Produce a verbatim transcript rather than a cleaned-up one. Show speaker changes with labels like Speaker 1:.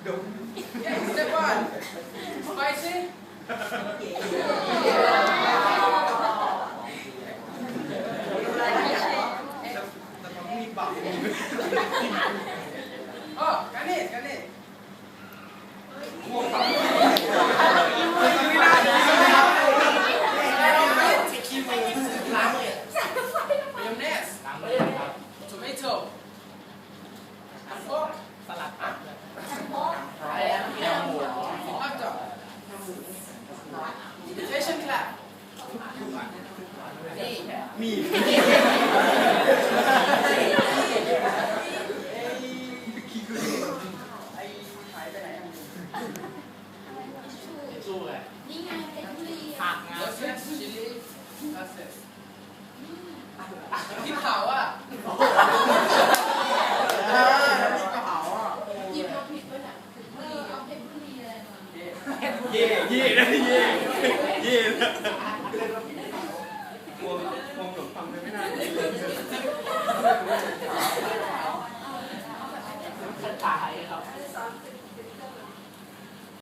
Speaker 1: Okay, step one. Spicy. อ๋อกันนี่กันนี่Mayonnaise, tomato, pork,
Speaker 2: สลัดผัก
Speaker 1: hot dog, invitation clap. นี่
Speaker 2: มี
Speaker 1: ไอ้หายไปไหนอ่ะ
Speaker 2: สู้เลย
Speaker 3: นี่ไงเป็นทุเรียน
Speaker 2: ผักนะ
Speaker 1: Process chili process พริกเผาอ่ะอ่าพริกเผาอ่ะ
Speaker 3: หยิบมาผิดไปไหนเออเอาเพชรบุรีอะไรมา
Speaker 2: เย่เย่นะเย่เย่